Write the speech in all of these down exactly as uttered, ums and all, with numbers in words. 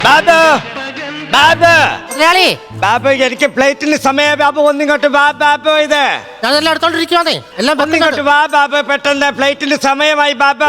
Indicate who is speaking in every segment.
Speaker 1: ബാബു ബാബു
Speaker 2: മുതലാളി
Speaker 1: ബാബു എനിക്ക് ഫ്ലൈറ്റിന് സമയം ബാബു ഒന്നിങ്ങോട്ട് വാ ബാബു ഇത്
Speaker 2: ഞാനെല്ലാം എടുത്തോണ്ടിരിക്കുവാന്നേ എല്ലാം
Speaker 1: ഒന്നിങ്ങോട്ട് വാ ബാബു പെട്ടെന്ന് ഫ്ലൈറ്റിന് സമയമായി ബാബു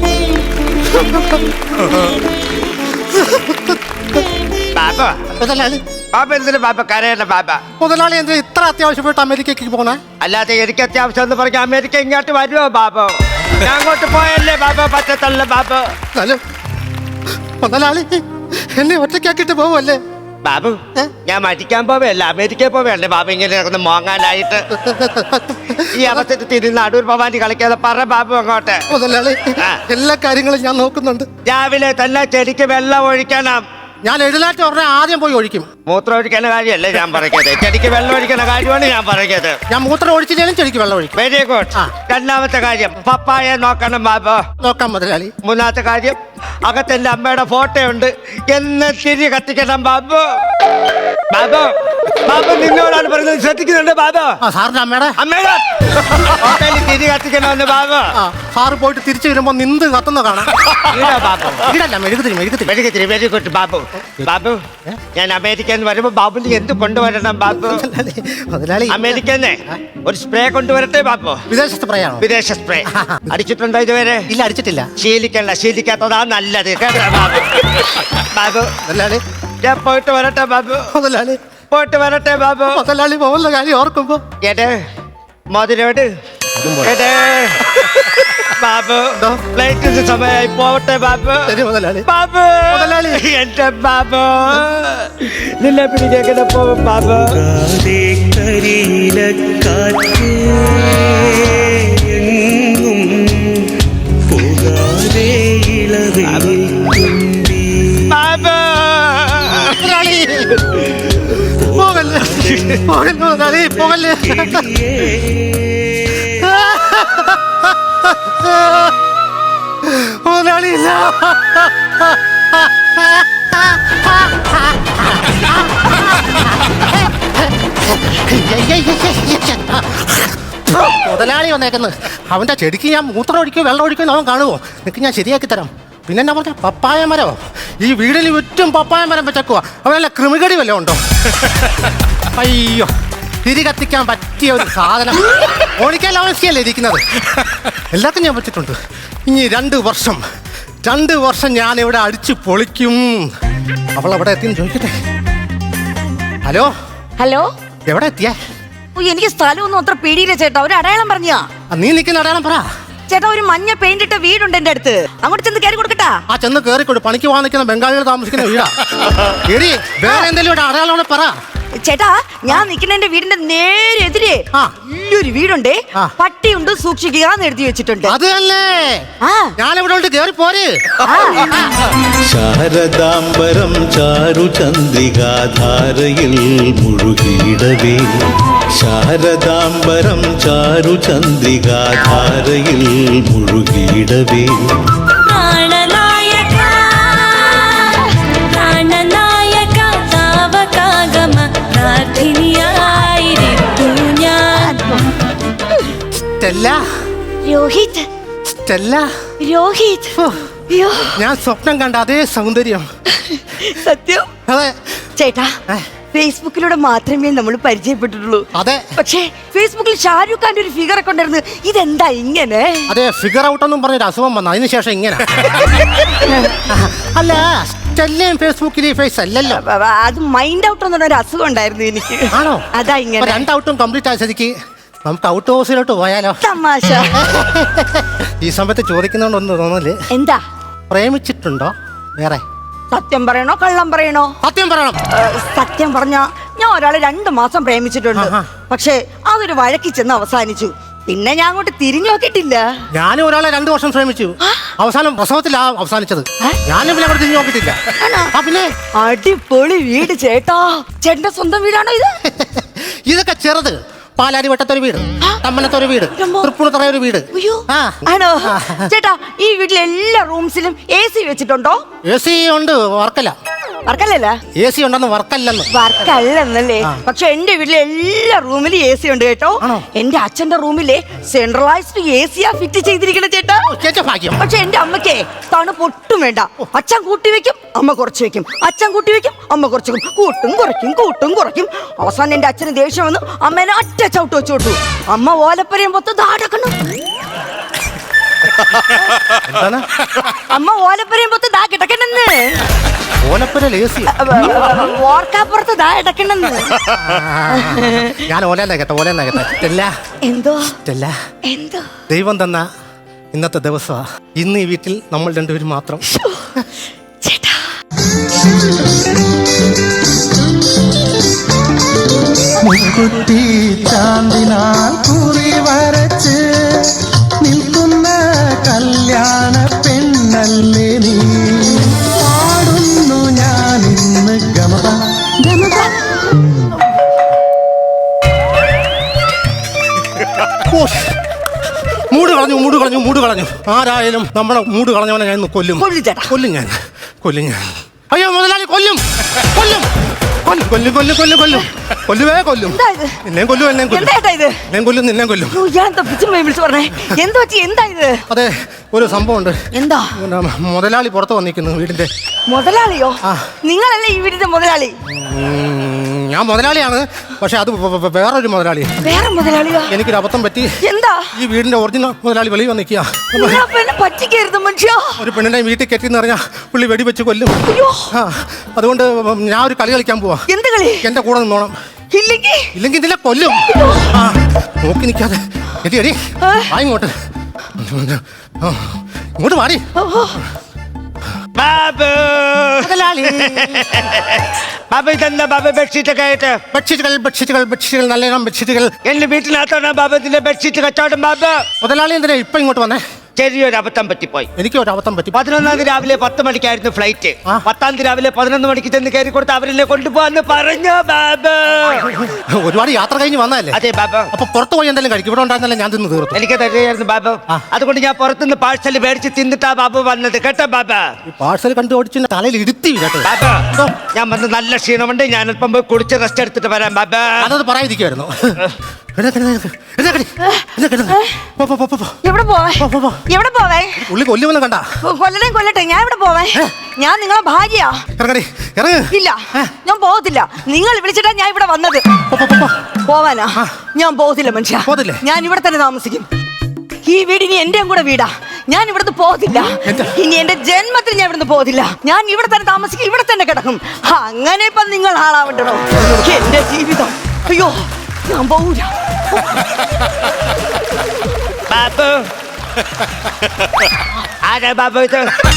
Speaker 1: ബാബു
Speaker 2: മുതലാളി
Speaker 1: ബാബു എന്തിനു ബാബു കരയണ്ട ബാബ
Speaker 2: മുതലാളി എന്ത് ഇത്ര അത്യാവശ്യമായിട്ട് അമേരിക്കക്ക് പോണേ?
Speaker 1: അല്ലാതെ എനിക്ക് അത്യാവശ്യം എന്ന് പറഞ്ഞ അമേരിക്ക ഇങ്ങോട്ട് വരുമോ ബാബു? ഞാൻ അങ്ങോട്ട് പോയല്ലേ ബാബു, പറ്റത്തല്ല ബാബു.
Speaker 2: മുതലാളി എന്നെ ഒറ്റയ്ക്കാക്കിട്ട് പോവല്ലേ?
Speaker 1: ബാബു ഞാൻ മരിക്കാൻ പോവല്ല, അമേരിക്കയിൽ പോവല്ലേ ബാബു ഇങ്ങനെ ഒന്ന് മോങ്ങാനായിട്ട്? ഈ അവസ്ഥയിൽ തിരിഞ്ഞ് അടൂർ ഭവാനി കളിക്കാതെ പറ ബാബു അങ്ങോട്ട്.
Speaker 2: മുതലാളി എല്ലാ കാര്യങ്ങളും ഞാൻ നോക്കുന്നുണ്ട്.
Speaker 1: രാവിലെ തന്നെ ചെടിക്ക് വെള്ളം ഒഴിക്കണം.
Speaker 2: ഞാൻ എഴുന്നേറ്റ് ഉടനെ ആദ്യം പോയി ഒഴിക്കും.
Speaker 1: മൂത്രം ഒഴിക്കുന്ന കാര്യമല്ലേ ഞാൻ പറയുന്നത്, ചെടിക്ക് വെള്ളം ഒഴിക്കുന്ന കാര്യമാണ് ഞാൻ പറയുന്നത്.
Speaker 2: ഞാൻ മൂത്രം ഒഴിച്ചില്ലേലും ചെടിക്ക് വെള്ളം ഒഴിക്കും.
Speaker 1: Very good. രണ്ടാമത്തെ കാര്യം പപ്പായ നോക്കണം ബാബു.
Speaker 2: നോക്കാം മുതലാളി.
Speaker 1: മൂന്നാമത്തെ കാര്യം അകത്തെന്റെ അമ്മയുടെ ഫോട്ടോ ഉണ്ട്, എന്ന് തിരി കത്തിക്കണം ബാബു. ബാബു ബാബു നിന്നോടാണ് പറയുന്നത്, ശ്രദ്ധിക്കുന്നുണ്ട് ബാബു.
Speaker 2: സാറിന്റെ അമ്മയുടെ
Speaker 1: അമ്മയുടെ ഫോട്ടോയിൽ തിരി കത്തിക്കണമെന്ന് ബാബു.
Speaker 2: സാറ് പോയിട്ട് തിരിച്ചു വരുമ്പോ നിന്ന് കത്തുന്ന കാണാം.
Speaker 1: ബാബു
Speaker 2: ഇടല്ല മെഴുകുതിരി മെഴുകുതിരി
Speaker 1: മെഴുകുതിരി. Very good Babu. ബാബു ഞാൻ അമേരിക്കന്ന് വരുമ്പോ ബാബുന് എന്ത് കൊണ്ടുവരണം ബാബു?
Speaker 2: മുതലാളി
Speaker 1: അമേരിക്കന്ന് ഒരു സ്പ്രേ കൊണ്ടുവരട്ടെ ബാബു.
Speaker 2: വിദേശ സ്പ്രേ ആണോ?
Speaker 1: വിദേശ സ്പ്രേ അടിച്ചിട്ടുണ്ടോ ഇതുവരെ?
Speaker 2: ഇല്ല അടിച്ചിട്ടില്ല.
Speaker 1: ശീലിക്കണ്ട, ശീലിക്കാത്തതാ നല്ലത് കേട്ടോ ബാബു. ബാബു
Speaker 2: മുതലാളി
Speaker 1: ഞാൻ പോയിട്ട് വരട്ടെ ബാബു.
Speaker 2: മുതലാളി
Speaker 1: പോയിട്ട് വരട്ടെ ബാബു.
Speaker 2: മുതലാളി പോകുന്ന കാര്യം ഓർക്കുമ്പോ
Speaker 1: ഏടേ മോതിരോട് ഏടേ ബാബു ഫ്ലൈറ്റിന് സമയമായി പോവട്ടെ ബാബു.
Speaker 2: ശരി മുതലാളി.
Speaker 1: ബാബു
Speaker 2: മുതലാളി
Speaker 1: എന്റെ ബാബു നിന്നെ പിടിക്കേണ്ട പോവും ബാബു.
Speaker 2: പോകല്ലേ പോകല്ലേ മുതലാളിയില്ല. മുതലാളി വന്നേക്കുന്നത് അവന്റെ ചെടിക്ക് ഞാൻ മൂത്രം ഒഴിക്കോ വെള്ളം ഒഴിക്കോ അവൻ കാണുമോ? നിനക്ക് ഞാൻ ശരിയാക്കി തരാം. പിന്നെ എന്നാ പറഞ്ഞ പപ്പായ മരമോ? ഈ വീടിന് ചുറ്റും പപ്പായ മരം വെച്ചേക്കുക. അവനല്ല കൃമികടി വല്ലതും ഉണ്ടോ? അയ്യോ തിരി കത്തിക്കാൻ പറ്റിയ ഒരു സാധനം. ഓണിക്കാൻ അവസ്ഥയല്ലേ ഇരിക്കുന്നത്. എല്ലാവർക്കും ഞാൻ പറ്റിയിട്ടുണ്ട്. ഇനി രണ്ട് വർഷം രണ്ട് വർഷം ഞാൻ ഇവിടെ അടിച്ചു പൊളിക്കും. അവൾ എവിടെ എത്തിയെന്ന് ചോദിക്കട്ടെ. ഹലോ
Speaker 3: ഹലോ
Speaker 2: എവിടെ എത്തിയേ?
Speaker 3: എനിക്ക് സ്ഥലമൊന്നും അത്ര പേടിയില്ല ചേട്ടാ. ഒരു അടയാളം പറഞ്ഞാ.
Speaker 2: നീ നിൽക്കുന്ന അടയാളം പറ
Speaker 3: ചേട്ടാ. ഒരു മഞ്ഞ പെയിന്റ് ഇട്ട വീടുണ്ട് എന്റെ അടുത്ത്, അങ്ങോട്ട് ചെന്ന് കയറി കൊടുക്കട്ടാ?
Speaker 2: ആ ചെന്ന് കയറിക്കൊടു. പണിക്ക് പോകാൻ നിൽക്കുന്ന ബംഗാളികൾ താമസിക്കുന്ന വീടാ. എടി വേറെ എന്തെങ്കിലും ഇവിടെ അടയാളം പറ
Speaker 3: ചേട്ടാ. ഞാൻ നിൽക്കുന്ന വീടിന്റെ നേരെ എതിരെ വലിയൊരു വീടുണ്ട്, പട്ടിയുണ്ട്, സൂക്ഷിക്കുക എന്ന് എഴുതി വെച്ചിട്ടുണ്ട്.
Speaker 2: അത് തന്നെ ഞാനിവിടെ ഉണ്ട്, കയറി പോര്.
Speaker 4: ശാരദാംബരം ചാരു ചന്ദ്രികാധാരയിൽ മുഴുകിയിടവേ, ശാരദാംബരം ചാരു ചന്ദ്രികാധാരയിൽ മുഴുകിയിടവേ.
Speaker 3: രോഹിത്
Speaker 2: സ്റ്റെല്ല
Speaker 3: രോഹിത്
Speaker 2: ഞാൻ സ്വപ്നം കണ്ട അതേ സൗന്ദര്യം.
Speaker 3: സത്യം.
Speaker 2: അതെ
Speaker 3: ചേട്ടാ, ഫേസ്ബുക്കിലൂടെ മാത്രമേ നമ്മൾ പരിചയപ്പെട്ടിട്ടുള്ളൂ.
Speaker 2: അതെ.
Speaker 3: പക്ഷേ ഫേസ്ബുക്കിൽ ഷാരൂഖ് ഖാന്റെ ഒരു ഫിഗർ ഒക്കെ ഉണ്ടായിരുന്നു. ഇതെന്താ ഇങ്ങനെ?
Speaker 2: അതെ, ഫിഗർ ഔട്ട് ഒന്നും പറഞ്ഞൊരു അസുഖം വന്നു, അതിനുശേഷം ഇങ്ങനെ. അല്ല സ്റ്റെല്ലയും ഫേസ്ബുക്കിൽ ഫേസ് അല്ലല്ലോ.
Speaker 3: അത് മൈൻഡ് ഔട്ട് എന്ന് പറഞ്ഞൊരു അസുഖം ഉണ്ടായിരുന്നു എനിക്ക്.
Speaker 2: ആണോ?
Speaker 3: അതാ ഇങ്ങനെ.
Speaker 2: രണ്ട് ഔട്ടും കംപ്ലീറ്റ് ആയ സ്ഥിതിക്ക് നമുക്ക് ഔട്ട് ഹൗസിലോട്ട് പോയാലോ?
Speaker 3: തമാശ.
Speaker 2: ഈ സമയത്ത് ചോദിക്കുന്നോണ്ടൊന്നും തോന്നല്.
Speaker 3: എന്താ?
Speaker 2: പ്രേമിച്ചിട്ടുണ്ടോ വേറെ?
Speaker 3: സത്യം പറയണോ കള്ളം പറയണോ?
Speaker 2: സത്യം പറയണം.
Speaker 3: സത്യം പറഞ്ഞ ഞാൻ ഒരാളെ രണ്ടു മാസം പ്രേമിച്ചിട്ടുണ്ട്. പക്ഷേ അതൊരു വഴക്കി ചെന്ന് അവസാനിച്ചു. പിന്നെ ഞാൻ അങ്ങോട്ട് തിരിഞ്ഞു നോക്കിയിട്ടില്ല.
Speaker 2: ഞാനും ഒരാളെ രണ്ടു വർഷം ശ്രമിച്ചു, അവസാനം പ്രസവത്തിലാ അവസാനിച്ചത്. ഞാനും പിന്നെ അവിടെ തിരിഞ്ഞു നോക്കിയിട്ടില്ല. പിന്നെ
Speaker 3: അടിപൊളി വീട് ചേട്ടാ. ചേട്ടന്റെ സ്വന്തം വീടാണോ ഇത്?
Speaker 2: ഇതൊക്കെ ചെറുത്. പാലാരി വട്ടത്തൊരു വീട്, തമ്മനത്തൊരു വീട്, തൃപ്പൂണിത്തറ ഒരു വീട്.
Speaker 3: ആണോ ചേട്ടാ? ഈ വീട്ടിലെ എല്ലാ റൂംസിലും എ സി വെച്ചിട്ടുണ്ടോ?
Speaker 2: എ സി ഉണ്ട്, വർക്കല.
Speaker 3: വർക്കല്ലല്ല
Speaker 2: എ സി ഉണ്ടെന്ന് വർക്കല്ലെന്ന്.
Speaker 3: വർക്കല്ലെന്നല്ലേ? പക്ഷെ എന്റെ വീട്ടിലെ എല്ലാ റൂമിലും എ സി ഉണ്ട് കേട്ടോ.
Speaker 2: ആണോ?
Speaker 3: എന്റെ അച്ഛന്റെ റൂമിലെ സെൻട്രലൈസ്ഡ് എ സിയാ ഫിറ്റ് ചെയ്തിരിക്കണ ചേട്ടാ.
Speaker 2: ചേച്ചാ ഭാഗ്യം.
Speaker 3: പക്ഷെ എന്റെ അമ്മക്കേ തണുപ്പൊട്ടും വേണ്ട. അച്ഛൻ കൂട്ടി വെക്കും, അമ്മ കുറച്ച് വെക്കും. അച്ഛൻ കൂട്ടി വെക്കും, അമ്മ കുറച്ച് വെക്കും. കൂട്ടും കുറയ്ക്കും, കൂട്ടും കുറയ്ക്കും. അവസാനം എന്റെ അച്ഛന് ദേഷ്യം വന്നു അമ്മേനെ ഒറ്റ ചവിട്ട് വെച്ചു കൊടുത്തു. അമ്മ ഓലപ്പരയും പൊത്ത് ദാടക്കണം.
Speaker 2: എന്താണ്?
Speaker 3: അമ്മ ഓലപ്പരയും പൊത്ത് ദാ കിടക്കണെന്ന്.
Speaker 2: ഓലപ്പുര എ സി.
Speaker 3: ഓർക്കാപ്പുറത്ത് ദാ കിടക്കണെന്ന്.
Speaker 2: ഞാൻ ഓലെന്നാ കേട്ടോ, ഓലെന്നാ കേട്ടോ. സ്റ്റെല്ല,
Speaker 3: എന്തോ
Speaker 2: സ്റ്റെല്ല,
Speaker 3: എന്തോ
Speaker 2: ദൈവം തന്ന ഇന്നത്തെ ദിവസമാ. ഇന്ന് ഈ വീട്ടിൽ നമ്മൾ രണ്ടുപേരും മാത്രം.
Speaker 3: ചേട്ടാ
Speaker 5: മുക്കുറ്റി ചാന്തിനാൽ കുറി വരച്ച് നിൽക്കുന്ന കല്യാണ പെണ്ണല്ലേ നീ. പാടുന്നു ഞാൻ ഇന്ന് ഗമപ ഗമപ.
Speaker 2: മൂട് കളഞ്ഞു, മൂട് കളഞ്ഞു, മൂട് കളഞ്ഞു. ആരായാലും നമ്മളെ മൂട് കളഞ്ഞവനെ ഞാൻ ഇന്ന് കൊല്ലും.
Speaker 3: കൊല്ലും ചേട്ടാ.
Speaker 2: കൊല്ലും ഞാൻ, കൊല്ലും ഞാൻ. അയ്യോ മുതലാളി, കൊല്ലും, കൊല്ലും, കൊല്ലും, കൊല്ലും, കൊല്ലും, കൊല്ലും, കൊല്ലും, കൊല്ലുവേ കൊല്ലും.
Speaker 3: എന്താ ഇത്?
Speaker 2: നിന്നെയും കൊല്ലും, എന്നെയും കൊല്ലും.
Speaker 3: എന്താ ചേട്ടാ ഇത്?
Speaker 2: എന്നെയും കൊല്ലും, നിന്നെയും കൊല്ലും.
Speaker 3: അയ്യോ, ഇയാളെന്താ പിച്ചും പോയി വിളിച്ചു പറഞ്ഞേ? എന്താ പറ്റി? എന്താ ഇത്?
Speaker 2: അതെ, ഒരു സംഭവമുണ്ട്.
Speaker 3: എന്താ?
Speaker 2: പിന്നെ മുതലാളി പുറത്ത് വന്നിരിക്കുന്നു വീടിന്റെ.
Speaker 3: മുതലാളിയോ?
Speaker 2: ആ.
Speaker 3: നിങ്ങളല്ലേ ഈ വീടിന്റെ മുതലാളി?
Speaker 2: ഉം, ഞാൻ മുതലാളിയാണ്, പക്ഷെ അത് വ- വ- വേറൊരു മുതലാളി.
Speaker 3: വേറെ മുതലാളിയോ?
Speaker 2: എനിക്കൊരു അബദ്ധം പറ്റി.
Speaker 3: എന്താ?
Speaker 2: ഈ വീടിന്റെ ഒറിജിനൽ മുതലാളി വെളിയിൽ വന്നിക്കുക.
Speaker 3: നിങ്ങളെ പിന്നെ പറ്റിക്കരുത് മനുഷ്യ.
Speaker 2: ഒരു പെണ്ണിനെ വീട്ടിൽ കെട്ടിന്ന് പറഞ്ഞാൽ പുള്ളി വെടിവെച്ച് കൊല്ലും.
Speaker 3: അയ്യോ,
Speaker 2: ആ, അതുകൊണ്ട് ഞാൻ ഒരു കളി കളിക്കാൻ പോവാ.
Speaker 3: എന്ത് കളി?
Speaker 2: എന്റെ കൂടെ നിന്നോണം.
Speaker 3: ഇല്ലെങ്കിൽ
Speaker 2: ഇല്ലെങ്കിൽ ഇതിലെ കൊല്ലും. ആ, നോക്കി നിൽക്കാതെ എടി എടി ആ ഇങ്ങോട്ട്. ആ, ഇങ്ങോട്ട് മാറി.
Speaker 1: ബാബു ബാബു ഇതെന്താ ബാബു ബെഡ്ഷീറ്റ് ഒക്കെ ആയിട്ട്?
Speaker 2: ബെഡ്ഷീറ്റുകൾ ബെഡ്ഷീറ്റുകൾ ബെഡ്ഷീറ്റുകൾ നല്ല ഇനം ബെഡ്ഷീറ്റുകൾ.
Speaker 1: എന്റെ വീട്ടിനകത്താണ് ബാബു ഇതിന്റെ ബെഡ്ഷീറ്റ് കച്ചവടം. ബാബു
Speaker 2: മുതലാളി എന്തിനാ ഇപ്പൊ ഇങ്ങോട്ട് വന്നേ?
Speaker 1: ചെറിയൊരു അബദ്ധം പറ്റിപ്പോയി.
Speaker 2: എനിക്ക് ഒരു അബദ്ധം പറ്റി.
Speaker 1: പതിനൊന്നാം തീയതി രാവിലെ പത്ത് മണിക്കായിരുന്നു ഫ്ലൈറ്റ്.
Speaker 2: ആ.
Speaker 1: പത്താം തീയതി രാവിലെ പതിനൊന്ന് മണിക്ക് ചെന്ന് കയറി കൊടുത്ത് അവരെന്നെ കൊണ്ടുപോവാന്ന് പറഞ്ഞു ബാബു.
Speaker 2: ഒരുപാട് യാത്ര കഴിഞ്ഞ് വന്നതല്ലേ?
Speaker 1: അതെ ബാബു.
Speaker 2: അപ്പൊ പുറത്ത് പോയി എന്തെങ്കിലും കഴിക്കും. ഇവിടെ ഉണ്ടായിരുന്നല്ലേ ഞാൻ തിന്ന് തീർത്തു.
Speaker 1: എനിക്ക് തരുകയായിരുന്നു ബാബു.
Speaker 2: ആ.
Speaker 1: അതുകൊണ്ട് ഞാൻ പുറത്തുനിന്ന് പാഴ്സൽ മേടിച്ച് തിന്നിട്ടാ ബാബു വന്നത്. കേട്ടോ ബാബു?
Speaker 2: ഈ പാഴ്സൽ കണ്ടു ഓടിച്ച് തലയിൽ ഇരുത്തി കേട്ടോ.
Speaker 1: ബാബു, ഞാൻ വന്ന് നല്ല ക്ഷീണമുണ്ട്. ഞാൻ അല്പം പോയി കുടിച്ച് റെസ്റ്റ് എടുത്തിട്ട് വരാം ബാബു.
Speaker 2: അതത് പറയാതിരിക്കുമായിരുന്നു.
Speaker 3: എവിടെ പോവേ? എവിടെ പോവേ?
Speaker 2: ഉള്ളി കൊല്ലുമെന്ന് കണ്ട.
Speaker 3: കൊല്ലണേ കൊല്ലട്ടെ, ഞാൻ ഇവിടെ പോവേ. ഞാൻ നിങ്ങളെ ഭാര്യയാ.
Speaker 2: ഇറങ്ങടി, ഇറങ്ങ്.
Speaker 3: ഇല്ല, ഞാൻ പോകത്തില്ല. നിങ്ങൾ വിളിച്ചിട്ടാ ഞാൻ ഇവിടെ വന്നത്.
Speaker 2: പോ, പോ, പോ, പോ.
Speaker 3: പോവാനാ? ഞാൻ പോകത്തില്ല മനുഷ്യ.
Speaker 2: പോകത്തില്ലേ?
Speaker 3: ഞാൻ ഇവിടെ തന്നെ താമസിക്കും. ഈ വീട് ഇനി എന്റെയും കൂടെ വീടാ. ഞാൻ ഇവിടുന്ന് പോകത്തില്ല.
Speaker 2: എന്താ?
Speaker 3: ഇനി എന്റെ ജന്മത്തിൽ ഞാൻ ഇവിടുന്ന് പോകത്തില്ല. ഞാൻ ഇവിടെ തന്നെ താമസിക്കും, ഇവിടെ തന്നെ കിടക്കും. അങ്ങനെ ഇപ്പൊ നിങ്ങൾ ആളാവണ്ടോ? എന്റെ ജീവിതം. അയ്യോ, ഞാൻ പോകൂല.
Speaker 1: ബാബു, ആരാ ബാബു ഇത്?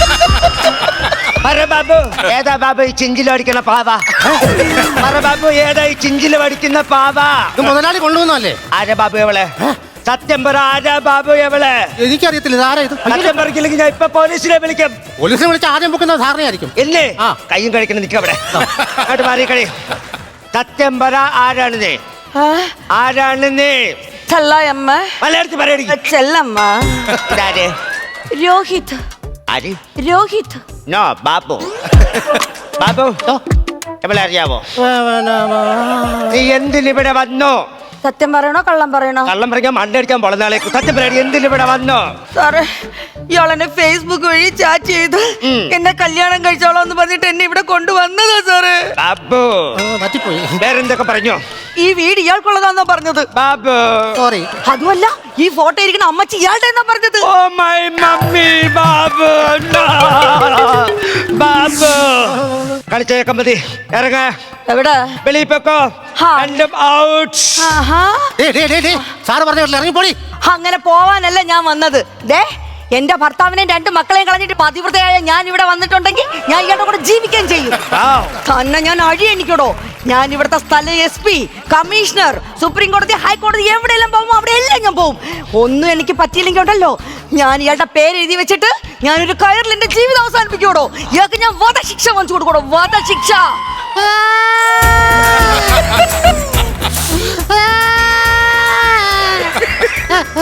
Speaker 1: പറ ബാബു, ഏതാ ബാബു ഈ ചിഞ്ചിൽ അടിക്കുന്ന പാവ? പറ ബാബു, ഏതാ ഈ ചിഞ്ചിൽ അടിക്കുന്ന പാവ?
Speaker 2: ഇത് മുതലാളി കൊണ്ടുവന്നല്ലേ?
Speaker 1: ആരാ ബാബു എവളെ? സത്യം പറ, ആരാ ബാബു എവളെ?
Speaker 2: എനിക്കറിയത്തില്ല. ഇതാരാ ഇത്?
Speaker 1: സത്യം പറഞ്ഞില്ലെങ്കിൽ ഞാൻ ഇപ്പൊ പോലീസിനെ വിളിക്കും.
Speaker 2: പോലീസിനെ വിളിച്ച് ആദ്യം പൊക്കുന്ന ധാരണയായിരിക്കും.
Speaker 1: ഇല്ലേ?
Speaker 2: ആ.
Speaker 1: കയ്യും കഴിക്കണം നിൽക്കും അവിടെ. അങ്ങോട്ട് മാറി കളി. സത്യം പറ, ആരാണ് നീ? ആരാണ് നീ?
Speaker 3: ചെല്ലമ്മ.
Speaker 1: മലയാളത്തിൽ പറയടി.
Speaker 3: ചെല്ലമ്മ.
Speaker 1: ഇതാര്?
Speaker 3: രോഹിത്.
Speaker 1: ആര്?
Speaker 3: രോഹിത്.
Speaker 1: നോ, ബാബു. ബാബു, എവളെ അറിയാവോ? നീ എന്തിനിവിടെ വന്നു?
Speaker 3: സത്യം പറയണോ കള്ളം പറയണോ?
Speaker 1: കള്ളം പറയാൻ മണ്ടടിക്കാൻ പൊളന്നാളേക്ക്. സത്യം പറയാടി, എന്തിനിവിടെ വന്നു?
Speaker 3: സാറേ, ഇയാളെന്നെ ഫേസ്ബുക്ക് വഴി ചാറ്റ് ചെയ്ത് എന്നെ കല്യാണം കഴിച്ചോളാം എന്ന് പറഞ്ഞിട്ട് എന്നെ ഇവിടെ കൊണ്ടുവന്നതാ സാറേ.
Speaker 1: ബാബു,
Speaker 2: പറ്റിപ്പോയി.
Speaker 1: വേറെന്തൊക്കെ പറഞ്ഞു?
Speaker 3: ഈ വീട് ഇയാൾക്കുള്ളതാന്നാ പറഞ്ഞത്.
Speaker 1: ബാബു,
Speaker 2: സോറി.
Speaker 3: അതുമല്ല, ഈ ഫോട്ടോ ഇരിക്കുന്ന അമ്മച്ചി ഇയാളുടെ എന്നാ പറഞ്ഞത്.
Speaker 1: Oh my mummy. Babu, no. Babu, കളിച്ചേക്കാൻ മതി. ഇറങ്ങ,
Speaker 3: എവിടെ?
Speaker 1: വെളിയിൽ പൊക്കോ.
Speaker 3: ഹാ.
Speaker 1: രണ്ടും ഔട്ട്.
Speaker 3: ആഹാ.
Speaker 2: സാറ് പറഞ്ഞ ഇറങ്ങിപ്പോടി.
Speaker 3: അങ്ങനെ പോവാനല്ല ഞാൻ വന്നത്. ദേ, എന്റെ ഭർത്താവിനെയും രണ്ട് മക്കളെയും കളഞ്ഞിട്ട് പതിവ്രതയായ ഞാൻ ഇവിടെ വന്നിട്ടുണ്ടെങ്കിൽ ഞാൻ ഇയാളുടെ കൂടെ ജീവിക്കുകയും ചെയ്യും. തന്നെ ഞാൻ അഴി എനിക്കടോ. ഞാൻ ഇവിടുത്തെ സ്ഥല എസ് പി, കമ്മീഷണർ, സുപ്രീം കോടതി, ഹൈക്കോടതി എവിടെയെല്ലാം പോകുമോ അവിടെ എല്ലാം ഞാൻ പോകും. ഒന്നും എനിക്ക് പറ്റിയില്ലെങ്കിൽ ഉണ്ടല്ലോ, ഞാൻ ഇയാളുടെ പേര് എഴുതി വെച്ചിട്ട് ഞാനൊരു കയറിൽ എന്റെ ജീവിതം അവസാനിപ്പിക്കൂടോ. ഇയാൾക്ക് ഞാൻ വധശിക്ഷ വാങ്ങിച്ചു കൊടുക്കണോ. വധശിക്ഷ.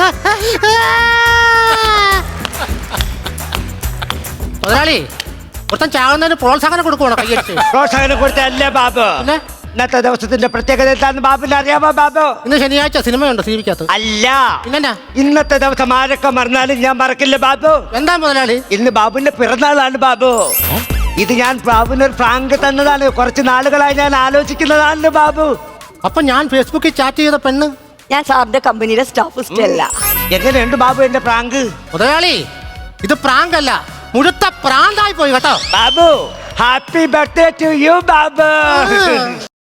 Speaker 2: മുതലാളി, ഒരുത്തൻ ചാകുന്നതിന് പ്രോത്സാഹനം കൊടുക്കുവാണോ കയ്യടിച്ച്?
Speaker 1: പ്രോത്സാഹനം കൊടുത്തല്ലേ ബാബു.
Speaker 2: പിന്നെ
Speaker 1: ഇന്നത്തെ ദിവസത്തിന്റെ പ്രത്യേകത എന്താന്ന് ബാബുവിന് അറിയാമോ ബാബു?
Speaker 2: ഇന്ന് ശനിയാഴ്ച സിനിമയുണ്ടോ സീവിക്കകത്ത്?
Speaker 1: അല്ല,
Speaker 2: പിന്നെന്നാ?
Speaker 1: ഇന്നത്തെ ദിവസം ആരൊക്കെ മറന്നാലും ഞാൻ മറക്കില്ല ബാബു.
Speaker 2: എന്താ മുതലാളി?
Speaker 1: ഇന്ന് ബാബുവിന്റെ പിറന്നാളാണ് ബാബു. ഇത് ഞാൻ ബാബുവിന് ഒരു ഫ്രാങ്ക് തന്നതാണ്. കുറച്ച് നാളുകളായി ഞാൻ ആലോചിക്കുന്നതാണ് ബാബു.
Speaker 2: അപ്പൊ ഞാൻ ഫേസ്ബുക്കിൽ ചാറ്റ് ചെയ്ത പെണ്ണ്
Speaker 3: ഞാൻ സാറിന്റെ കമ്പനിയിലെ സ്റ്റാഫ് സ്റ്റെല്ല.
Speaker 1: എങ്ങനെയുണ്ട് ബാബു എന്റെ പ്രാങ്ക്?
Speaker 2: മുതലാളി ഇത് പ്രാങ്ക് അല്ല, മുഴുത്ത പ്രാന്തായി പോയി കേട്ടോ.
Speaker 1: Babu happy birthday to you Babu.